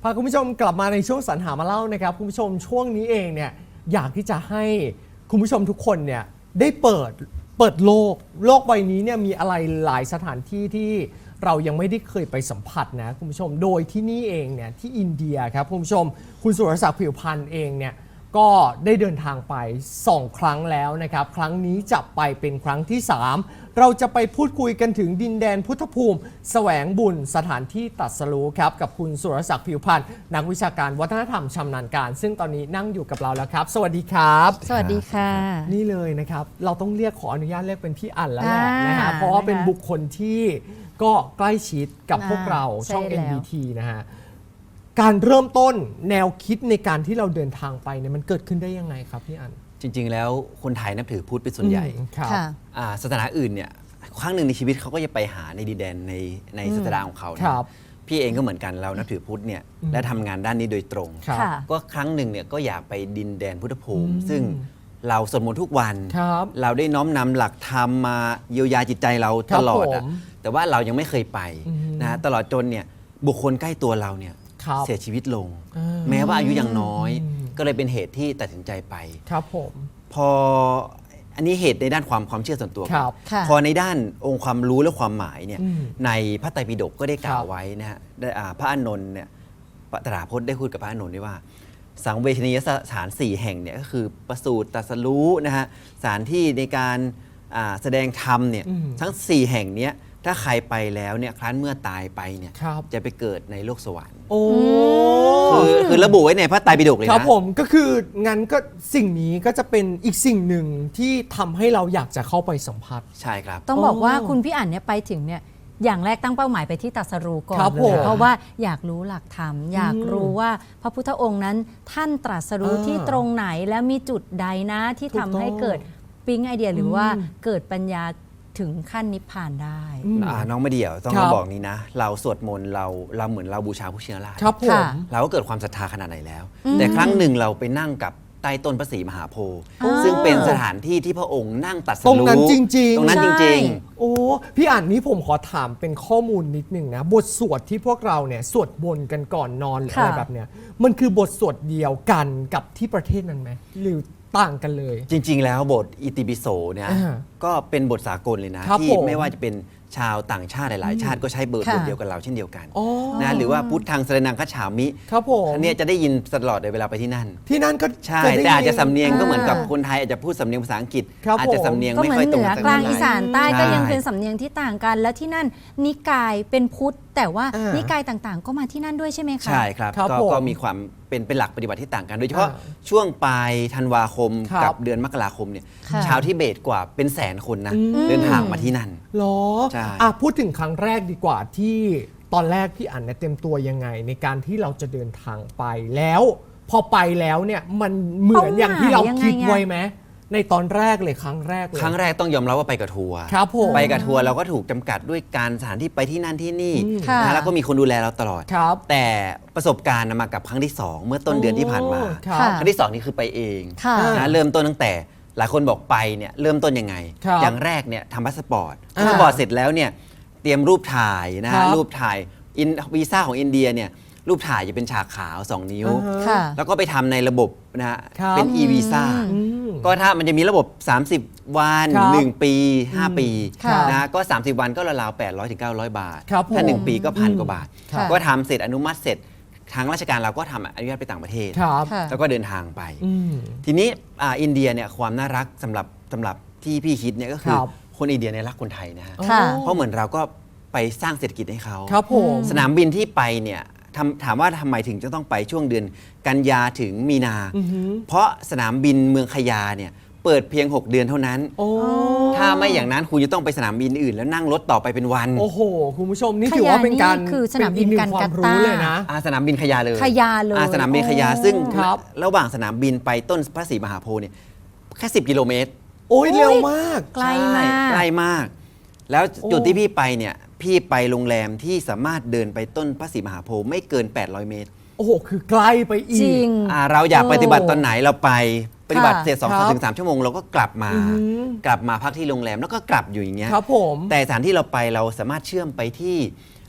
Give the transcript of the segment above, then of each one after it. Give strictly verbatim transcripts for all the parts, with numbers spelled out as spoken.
พาคุณผู้ชมกลับมาในช่วงสรรหามาเล่านะครับคุณผู้ชมช่วงนี้เองเนี่ยอยากที่จะให้คุณผู้ชมทุกคนเนี่ยได้เปิดเปิดโลกโลกใบนี้เนี่ยมีอะไรหลายสถานที่ที่เรายังไม่ได้เคยไปสัมผัสนะคุณผู้ชมโดยที่นี่เองเนี่ยที่อินเดียครับคุณผู้ชมคุณสุรศักดิ์ผิวพันธ์เองเนี่ยก็ได้เดินทางไปสองครั้งแล้วนะครับครั้งนี้จะไปเป็นครั้งที่สามเราจะไปพูดคุยกันถึงดินแดนพุทธภูมิแสวงบุญสถานที่ตรัสรู้ครับกับคุณสุรศักดิ์ผิวพันธ์นักวิชาการวัฒนธรรมชำนาญการซึ่งตอนนี้นั่งอยู่กับเราแล้วครับสวัสดีครับสวัสดีค่ะนี่เลยนะครับเราต้องเรียกขออนุญาตเรียกเป็นพี่อั๋นแล้วแหละนะฮะเพราะว่าเป็นบุคคลที่ก็ใกล้ชิดกับพวกเราช่อง เอ็น บี ที นะฮะการเริ่มต้นแนวคิดในการที่เราเดินทางไปเนี่ยมันเกิดขึ้นได้ยังไงครับพี่อั๋นจริงๆแล้วคนไทยนับถือพุทธเป็นส่วนใหญ่ศาสนาอื่นเนี่ยครั้งหนึ่งในชีวิตเขาก็จะไปหาในดินแดนในในศาสนาของเขาพี่เองก็เหมือนกันเรานับถือพุทธเนี่ยและทำงานด้านนี้โดยตรงก็ครั้งหนึ่งเนี่ยก็อยากไปดินแดนพุทธภูมิซึ่งเราสวดมนต์ทุกวันเราได้น้อมนำหลักธรรมมาเยียวยาจิตใจเราตลอดแต่ว่าเรายังไม่เคยไปนะตลอดจนเนี่ยบุคคลใกล้ตัวเราเนี่ยเสียชีวิตลงแม้ว่าอายุยังน้อยก็เลยเป็นเหตุที่ตัดสินใจไปครับผมพออันนี้เหตุในด้านความความเชื่อส่วนตัวครับพอในด้านองค์ความรู้และความหมายเนี่ยในพระไตรปิฎกก็ได้กล่าวไว้นะฮะพระอานนท์เนี่ยตถาคตได้พูดกับพระอานนท์ไว้ว่าสังเวชนียสถานสี่แห่งเนี่ยก็คือประสูติตรัสรู้นะฮะสถานที่ในการแสดงธรรมเนี่ยทั้งสี่แห่งนี้ถ้าใครไปแล้วเนี่ยครั้นเมื่อตายไปเนี่ยจะไปเกิดในโลกสวรรค์โอ้คือคือระบุไว้ในพระไตรปิฎกเลยนะครับผมก็คืองั้นก็สิ่งนี้ก็จะเป็นอีกสิ่งหนึ่งที่ทำให้เราอยากจะเข้าไปสัมผัสใช่ครับต้องบอกว่าคุณพี่อั๋นเนี่ยไปถึงเนี่ยอย่างแรกตั้งเป้าหมายไปที่ตรัสรู้ก่อนเลยเพราะว่าอยากรู้หลักธรรมอยากรู้ว่าพระพุทธองค์นั้นท่านตรัสรู้ที่ตรงไหนและมีจุดใดนะที่ทำให้เกิดปิ๊งไอเดียหรือว่าเกิดปัญญาถึงขั้นนิพพานได้น้องไม่เดี่ยวต้องมาบอกนี้นะเราสวดมนต์เราเราเหมือนเราบูชาผู้เชี่ยวชาญครับผมเราก็เกิดความศรัทธาขนาดไหนแล้วแต่ครั้งหนึ่งเราไปนั่งกับใต้ต้นพระศรีมหาโพธิ์ซึ่งเป็นสถานที่ที่พระองค์นั่งตรัสรู้ตรงนั้นจริงๆตรงนั้นจริงๆโอ้พี่อ่านนี้ผมขอถามเป็นข้อมูลนิดหนึ่งนะบทสวดที่พวกเราเนี่ยสวดมนต์กันก่อนนอนหรืออะไรแบบเนี้ยมันคือบทสวดเดียวกันกับที่ประเทศนั้นไหมหรือต่างกันเลยจริงๆแล้วบทอิติปิโสเนี่ยก็เป็นบทสากลเลยนะที่ไม่ว่าจะเป็นชาวต่างชาติหลายๆชาติก็ใช้บทเดียวกับเราเช่นเดียวกันนะหรือว่าพุทธังสรณังคัจฉามิอันนี้จะได้ยินตลอดเลยเวลาไปที่นั่นที่นั่นก็ใช่แต่อาจจะสำเนียงก็เหมือนกับคนไทยอาจจะพูดสำเนียงภาษาอังกฤษอาจจะสำเนียงไม่ค่อยตรงกันก็เหมือนเหนือกลางอีสานใต้ก็ยังเป็นสำเนียงที่ต่างกันและที่นั่นนิกายเป็นพุทธแต่ว่านิกายต่างๆก็มาที่นั่นด้วยใช่ไหมคะใช่ครับก็มีความเป็นเป็นหลักปฏิบัติที่ต่างกันโดยเฉพาะช่วงปลายธันวาคมกับเดือนมกราคมเนี่ยชาวทิเบตกว่าเป็นแสนคนนะเดินทางมาที่นั่นหรอใช่พูดถึงครั้งแรกดีกว่าที่ตอนแรกพี่อั๋นเนี่ยเต็มตัวยังไงในการที่เราจะเดินทางไปแล้วพอไปแล้วเนี่ยมันเหมือนอย่างที่เราคิดไว้ไหมในตอนแรกเลยครั้งแรกเลยครั้งแรกต้องยอมรับว่าไปกับทัวร์ครับผมไปกับทัวร์เราก็ถูกจำกัดด้วยการสถานที่ไปที่นั่นที่นี่นะแล้วก็มีคนดูแลเราตลอดแต่ประสบการณ์มากับครั้งที่สองเมื่อต้นเดือนที่ผ่านมาครั้งที่สองนี่คือไปเองนะเริ่มต้นตั้งแต่หลายคนบอกไปเนี่ยเริ่มต้นยังไงอย่างแรกเนี่ยทำพาสปอร์ตพาสปอร์ตเสร็จแล้วเนี่ยเตรียมรูปถ่ายนะฮะรูปถ่ายวีซ่าของอินเดียเนี่ยรูปถ่ายจะเป็นฉากขาวสองนิ้วแล้วก็ไปทำในระบบนะฮะเป็น e-visa ก็ถ้ามันจะมีระบบสามสิบวันหนึ่งปีห้าปีนะก็สามสิบวันก็ราวๆแปดร้อยถึงเก้าร้อยบาทถ้าหนึ่งปีก็พันกว่าบาทก็ทำเสร็จอนุมัติเสร็จทางราชการเราก็ทำอนุญาตไปต่างประเทศแล้วก็เดินทางไปทีนี้อินเดียเนี่ยความน่ารักสำหรับสำหรับที่พี่คิดเนี่ยก็คือคนอินเดียเนี่ยรักคนไทยนะฮะเพราะเหมือนเราก็ไปสร้างเศรษฐกิจให้เขาสนามบินที่ไปเนี่ยถามว่าทำไมถึงจะต้องไปช่วงเดือนกันยาถึงมีนาเพราะสนามบินเมืองขยาเนี่ยเปิดเพียงหกเดือนเท่านั้นถ้าไม่อย่างนั้นคุณจะต้องไปสนามบินอื่นแล้วนั่งรถต่อไปเป็นวันโอ้โหคุณผู้ชมนี่ถือว่าเป็นการคือสนามบินการกัตตาเลยนะสนามบินขยาเลยขยาเลยสนามบินขยาซึ่งระหว่างสนามบินไปต้นพระศรีมหาโพธิ์เนี่ยแค่สิบกิโลเมตรโอ้ยเร็วมากไกลมากใกล้มากแล้วจุดที่พี่ไปเนี่ยพี่ไปโรงแรมที่สามารถเดินไปต้นพระศรีมหาโพธิ์ไม่เกินแปดร้อยเมตรโอ้โหคือใกล้ไปอีกจริงเราอยากปฏิบัติตอนไหนเราไปปฏิบัติเสร็จสองถึงสามชั่วโมงเราก็กลับมากลับมาพักที่โรงแรมแล้วก็กลับอยู่อย่างเงี้ยครับผมแต่สถานที่เราไปเราสามารถเชื่อมไปที่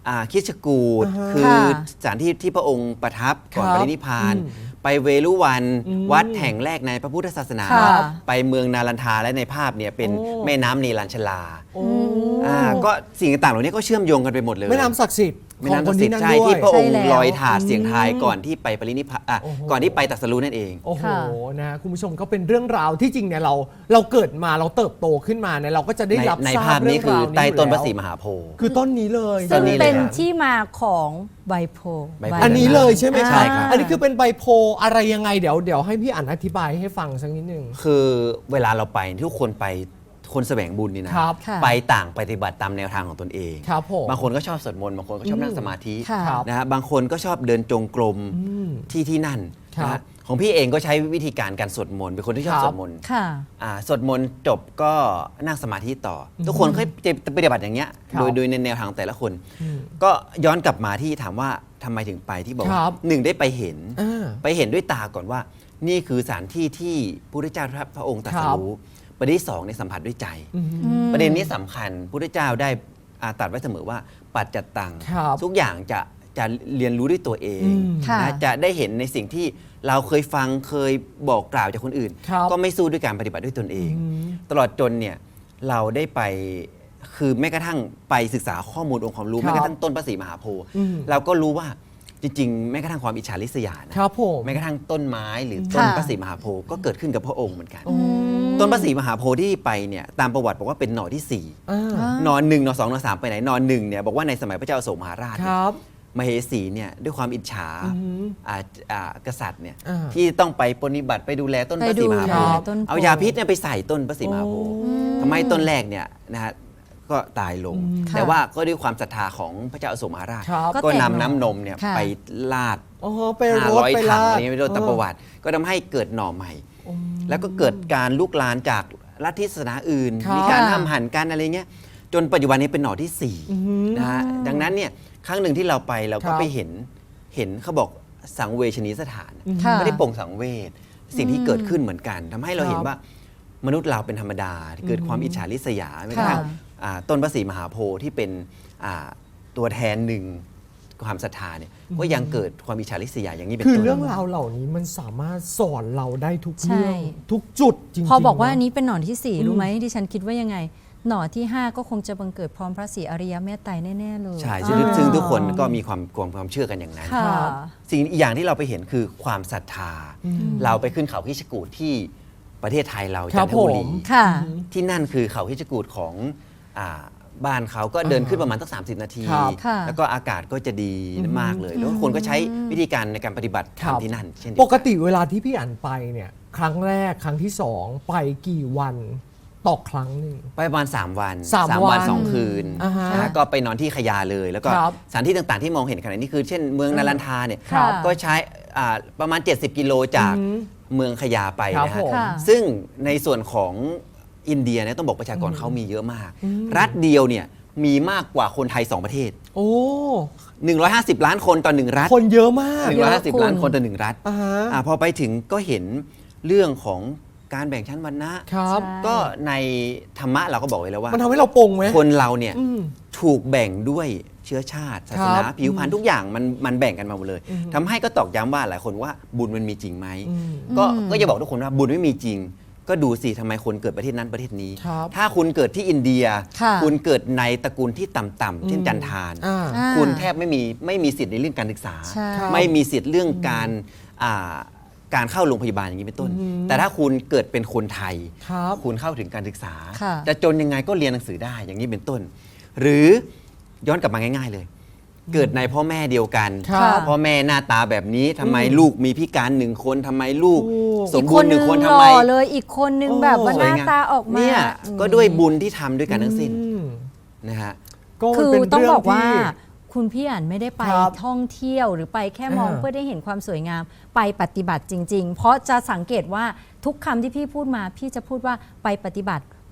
อ่าคิชกูฏอ่าฮะคือค่ะสถานที่ที่พระองค์ประทับก่อนครับปรินิพพานอืมไปเวลุวันอืมวัดแห่งแรกในพระพุทธศาสนาค่ะไปเมืองนาลันทาและในภาพเนี่ยเป็นโอ้แม่น้ำนีลัญชลาโอ้อ่าก็สิ่งต่างๆเหล่านี้ก็เชื่อมโยงกันไปหมดเลยแม่น้ำศักดิ์สิทธิ์แม่ของน้ำคศันกดิ์สิที่ทนั่ธิ์นใช่ด้วยที่พระองค์ใช่แล้วลอยถาดเสียงทายอืมก่อนที่ไปปรินิพพานอ่ะโอ้โหก่อนที่ไปตรัสรู้นั่นเองโอ้โหค่ะนะฮะคุณผู้ชมก็เป็นเรื่องราวที่จริงเนี่ยเราเราเกิดมาเราเติบโตขึ้นมาเนี่ยเราก็จะได้ในรับในทราภาบพเรื่นี้องคือราวนี้ใต้ต้นพระศรีอยู่มแล้วหาโพธิ์คือต้นนี้เลยซึ่งตอนนี้เลยเป็นครับที่มาของไบโพไบโพอันนี้เลยใช่ไหมใช่ครับครับอันนี้คือเป็นใบโพลอะไรยังไงเดี๋ยวเดี๋ยวให้พี่อั๋นอธิบายให้ฟังสักนิดนึงคือเวลาเราไปทุกคนไปคนแสวงบุญนี่นะครับค่ะไปต่างปฏิบัติตามแนวทางของตนเองครับผมบางคนก็ชอบสวดมนต์บางคนก็ชอบนั่งสมาธิค่ะครับนะฮะบางคนก็ชอบเดินจงกรมอืมที่ที่นั่นครับนะฮะของพี่เองก็ใช้วิธีการการสวดมนต์เป็นคนที่ชอบครับสวดมนต์ค่ะอ่าสวดมนต์จบก็นั่งสมาธิต่ออทุกคนเคยจะปฏิบัติอย่างเงี้ยครับโดยโดยในแนวทางแต่ละคนอืมก็ย้อนกลับมาที่ถามว่าทำไมถึงไปที่บอกคว่ารับหนึ่งได้ไปเห็นอ่าไปเห็นด้วยตาก่อนว่า นี่คือสถานที่ที่พระพุทธเจ้าพระองค์ตรัสรู้ประเด็นที่สองในยสัมผัสด้วยใจอืมประเด็นนี้สำคัญพระพุทธเจ้าได้อ่าตรัสไว้เสมอว่าปัจจัตตังครับทุกอย่างจะจะเรียนรู้ด้วยตัวเองอืมค่ะนะจะได้เห็นในสิ่งที่เราเคยฟังเคยบอกกล่าวจากคนอื่นครับก็ไม่สู้ด้วยการปฏิบัติด้วยตนเองอืมตลอดจนเนี่ยเราได้ไปคือแม้กระทั่งไปศึกษาข้อมูลองค์ความรู้ครับแม้กระทั่งต้นพระศรีมหาโพธิ์อืมเราก็รู้ว่าจริงๆ แม้กระทั่งความอิจฉาริษยานะครับผมแม้กระทั่งต้นไม้หรือต้นค่ะพระศรีมหาโพธิ์ก็เกิดขึ้นกับพระองค์เหมือนกันอืมต้นพระศรีมหาโพธิ์ที่ไปเนี่ยตามประวัติบอกว่าเป็นหน่อที่สี่อ่าอ่าหนอนหนึ่งหนอนสองหนอนสามไปไหนหนอนหนึ่งเนี่ยบอกว่าในสมัยพระเจ้าอโศกมหาราชคเนี่ยรับมเหสีเนี่ยด้วยความอิจฉาอือหืออ่าอ่ากษัตริย์เนี่ยอ่าที่ต้องไปปฏิบัติไปดูแลต้นพระศรีมหาโพไปดูธิ์แลต้นโพเอายาพิษเนี่ยไปใส่ต้นพระศรีมหาโพธิ์โอ้ทำให้ต้นแรกเนี่ยนะฮะก็ตายลงอืมแต่ว่าก็ด้วยความศรัทธาของพระเจ้าอโศกมหาราชครับก็ก็แตกนำหน่อน้ำนมเนี่ยค่ะไปลาดอ๋อไปรห้าถร้อยไปถังลาดอะไรนี้ไม่รู้ตามประวัติ ก็ทำให้เกิดหน่อใหม่ แล้วก็เกิดการลุกลามจากลัทธิศาสนาอื่นครับมีการห้ามหันกันอะไรเงี้ยจนปัจจุบันนี้เป็นหน่อที่สี่อือหือนะฮะดังนั้นเนี่ยครั้งหนึ่งที่เราไปเราครัก็บไปเห็นเห็นเขาบอกสังเวชนีสถานค่ะไม่ได้โปร่งสังเวชสิ่งที่เกิดขึ้นเหมือนกันทำให้เราครับเห็นว่ามนุษย์เราเป็นธรรมดาที่เกิดความอิจฉาริษยาไม่กระค่ะทั่งอ่าต้นพระศรีมหาโพธิ์ที่เป็นอ่าตัวแทนหนึ่งความศรัทธาเนี่ยก็ยังเกิดความอิจฉาริษยาอย่างนี้เป็นคือต้นเรื่องราวเหล่านี้มันสามารถสอนเราได้ทุกใช่เรื่องทุกจุดจริงๆพอบอกว่าเะอันนี้เป็นหนอนที่สี่อืมรู้ไหมดิฉันคิดว่ายังไง หนอนที่ห้าก็คงจะบังเกิดพร้อมพระศรีอริยเมตไตรแน่ๆเลยใช่ซึ่งอ่าซึ่งทุกคนก็มีความความความเชื่อกันอย่างนั้นค่ะครับสิ่งอีกอย่างที่เราไปเห็นคือความศรัทธาอืมเราไปขึ้นเขาคิชกูฏที่ประเทศไทยเราครัจับนทบุรีผมค่ะที่นั่นคือเขาคิชกูฏของอ่าบ้านเขาก็เดินขึ้นประมาณตั้งสามสิบนาทีครับค่ะแล้วก็อากาศก็จะดีมากเลย แล้วคนก็ใช้วิธีการในการปฏิบัติธรรมที่นั่นเช่นเดียวปนกติเวลาที่พี่อั๋นไปเนี่ย ครั้งแรกครั้งที่สองไปกี่วันต่อครั้งหนึ่งไปประมาณ 3 วันสามวันสองคืนอ่าฮะนะฮะก็ไปนอนที่ขยาเลย แล้วก็ครับสถานที่ต่างๆที่มองเห็นขณะนี้คือ เช่นเมืองนารันทาเนี่ยครับก็ใช้อ่าประมาณ เจ็ดสิบ กิโลจากอืมเมืองขยาไปครับนะฮะผมค่ะซึ่งในส่วนของอินเดียเนี่ยต้องบอกประชากรเขามีเยอะมาก รัฐเดียวเนี่ยมีมากกว่าคนไทย 2 ประเทศโอ้หนึ่งร้อยห้าสิบ ล้านคนต่อหนึ่งรัฐคนเยอะมากหนึ่งร้อยห้าสิบเยอะคุณล้านคนต่อหนึ่งรัฐอ่าฮะอ่าพอไปถึงก็เห็นเรื่องของการแบ่งชั้นวรรณะครับใช่ก็ในธรรมะเราก็บอกไว้แล้วว่ามันทำให้เราปลงไหมคนเราเนี่ยอืมถูกแบ่งด้วยเชื้อชาติ ศาสนาครับผิวพรรณทุกอย่างมันมันแบ่งกันมาหมดเลยอืมทำให้ก็ตอกย้ำว่าหลายคนว่าบุญมันมีจริงไหมอืมก็อืมก็จะบอกทุกคนว่าบุญไม่มีจริง ก็ดูสิทำไมคนเกิดประเทศนั้นประเทศนี้ครับถ้าคุณเกิดที่อินเดียค่ะคุณเกิดในตระกูลที่ต่ำๆเช่นจันทานอ่าอ่าคุณแทบไม่มีไม่มีสิทธิ์ในเรื่องการศึกษาใช่ครับไม่มีสิทธิ์เรื่องการอ่าการเข้าโรงพยาบาลอย่างนี้เป็นต้นอืมแต่ถ้าคุณเกิดเป็นคนไทยครับคุณเข้าถึงการศึกษาค่ะจะจนยังไงก็เรียนหนังสือได้อย่างนี้เป็นต้น หรือย้อนกลับมาง่าย ๆเลย เกิดในพ่อแม่เดียวกันครับพ่อแม่หน้าตาแบบนี้ทำไมลูกมีพิการหนึ่งคนทำไมลูกโอ้สอีมกบูครนณ์หนึนึ่งงคนหทำล่ไมอเลยอีกคนนึงโอ้แบบว่าสหวยน้างามตาออกมาเนี่ยอืมก็ด้วยบุญที่ทำด้วยกันทั้งสิ้นอืมนะฮะก็คือเป็นต้องเรื่บอกว่าที่คุณพี่อ่านไม่ได้ไปครับท่องเที่ยวหรือไปแค่มองอ่าเพื่อได้เห็นความสวยงามไปปฏิบัติจริง ๆ เพราะจะสังเกตว่าทุกคำที่พี่พูดมาพี่จะพูดว่าไปปฏิบัติ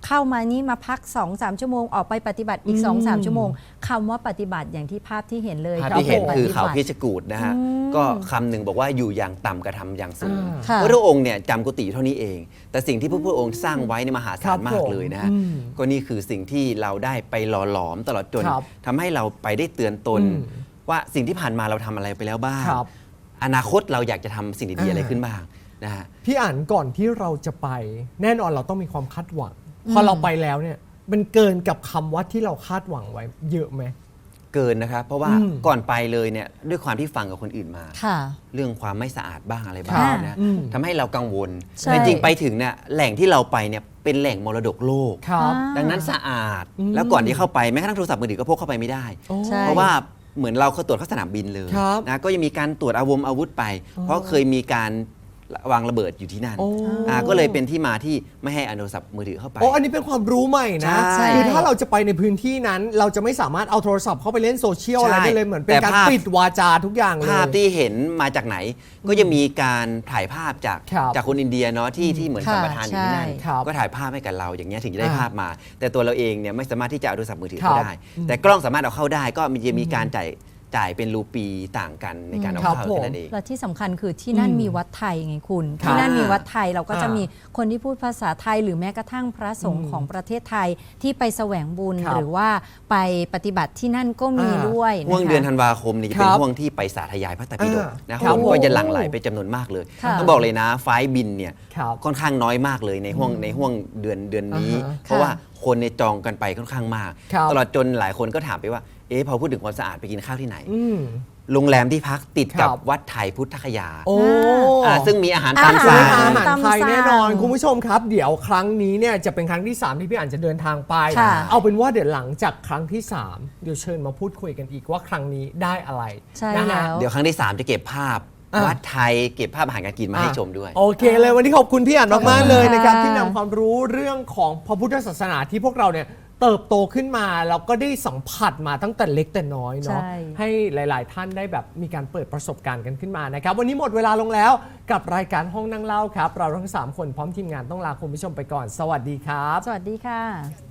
เข้ามานี้มาพัก สองสาม ชั่วโมงออกไปปฏิบัติอีกอืมสองสาม ชั่วโมงคำว่าปฏิบัติอย่างที่ภาพที่เห็นเลยภาพที่เห็นรับคือปฏิเขาบัติพิชกูฏนะฮะก็คำหนึ่งบอกว่าอยู่อย่างต่ำกระทำอย่างสูงอ่าค่ะพระองค์เนี่ยจำกุฏิอยู่เท่านี้เอง แต่สิ่งที่พระพุทธองค์สร้างไว้ในยมหาครัศาบลมากเลยนะฮะผมอืมก็นี่คือสิ่งที่เราได้ไปหล่อหลอมตลอดจนครับทำให้เราไปได้เตือนตนอืมว่าสิ่งที่ผ่านมาเราทำอะไรไปแล้วบ้างครับอนาคตเราอยากจะทำสิ่งดีๆอะไรขึ้นบ้างนะฮะพี่อ่านก่อนที่เราจะไป แน่นอนเราต้องมีความคาดหวัง พอเราไปแล้วเนี่ยมันเกินกับคำว่าที่เราคาดหวังไว้เยอะไหมเกินนะครับเพราะว่าอืมก่อนไปเลยเนี่ยด้วยความที่ฟังกับคนอื่นมาค่ะเรื่องความไม่สะอาดบ้างอะไรบ้างค่ะนะอืมทำให้เรากังวลใช่แต่จริงๆไปถึงเนี่ยแหล่งที่เราไปเนี่ยเป็นแหล่งมรดกโลกครับอ่าดังนั้นสะอาดอืมแล้วก่อนที่เข้าไปแม้กระทั่งโทรศัพท์มือถือก็พกเข้าไปไม่ได้โอ้ใช่เพราะว่าเหมือนเราเขาตรวจเข้าสนามบินเลยครับนะก็ยังมีการตรวจอาวมอาวุธไป เพราะเคยมีการวางระเบิดอยู่ที่นั่นโอ้อ่าก็เลยเป็นที่มาที่ไม่ให้เอาโทรศัพท์มือถือเข้าไปโอ้อันนี้เป็นความรู้ใหม่นะใช่คือถ้าเราจะไปในพื้นที่นั้น เราจะไม่สามารถเอาโทรศัพท์เข้าไปเล่นโซเชียลอะไรได้เลยเหมือนเป็นแต่การภาพปิดวาจาทุกอย่างเลยภาพที่เห็นมาจากไหน ก็จะมีการถ่ายภาพจากครับจากคนอินเดียเนาะที่ที่เหมือนค่ะสัมปทานอยู่ที่นั่นใช่ครับก็ถ่ายภาพให้กับเราอย่างเงี้ยถึงจะได้อ่าภาพมา แต่ตัวเราเองเนี่ยไม่สามารถที่จะเอาโทรศัพท์มือถือครัเข้าบได้ แต่กล้องสามารถเอาเข้าได้ ก็มีจะมีการจ่ายจ่ายเป็นรูปีต่างกันในการเอาครับเข้าผมแค่นั้นเองและที่สำคัญคือที่นั่นอืมมีวัดไทยไงคุณครับที่นั่นมีวัดไทยเราก็จะอ่ามีมีคนที่พูดภาษาไทย หรือแม้กระทั่งพระสงฆ์ของประเทศไทยที่ไปแสวงบุญครับหรือว่าไปปฏิบัติที่นั่นก็มีอ่าด้วยห่วงนะคะเดือนธันวาคมนี่จะเป็นครับห่วงที่ไปสาธยายพระไตรปิฎกอ่านะคครับ นผมก็จะหลั่งไหลไปจำนวนมากเลยค่ะต้องบอกเลยนะไฟล์บินเนี่ยครับค่อนข้างน้อยมากเลยในห่วงในห่วงเดือนเดือนนี้อ่าฮะเพราะว่าคนในยจองกันไปค่อนข้างมากครับตลอดจนหลายคนก็ถามไปว่าเอ๊ะพอพูดถึงความสะอาดไปกินข้าวที่ไหนอืมโรงแรมที่พักติดกับครับวัดไทยพุทธคยาโอ้อ่าซึ่งมีอาหารอาตามหารสั่งอาหารตามไทยสั่งแน่นอนคุณผู้ชมครับ เดี๋ยวครั้งนี้เนี่ยจะเป็นครั้งที่สามที่พี่อ่านจะเดินทางไปค่ะเอาเป็นว่าเดี๋ยวหลังจากครั้งที่สามเดี๋ยวเชิญมาพูดคุยกันอีกว่าครั้งนี้ได้อะไรใช่นะฮะแล้วเดี๋ยวครั้งที่สามจะเก็บภาพอ่ะวัดไทยเก็บภาพอาหารการกินมาให้ชมด้วยโอเคเลยวันนี้ขอบคุณพี่อ่านมากๆเลยนะครับค่ะที่นำความรู้เรื่องของพระพุทธศาสนาที่พวกเราเนี่ยเติบโตขึ้นมาแล้วก็ได้สัมผัสมาตั้งแต่เล็กแต่น้อยเนาะใช่ให้หลาย ๆ ท่านได้แบบมีการเปิดประสบการณ์กันขึ้นมานะครับวันนี้หมดเวลาลงแล้วกับรายการห้องนั่งเล่าครับ เราทั้งสามคนพร้อมทีมงานต้องลาคุณผู้ชมไปก่อน สวัสดีครับสวัสดีค่ะ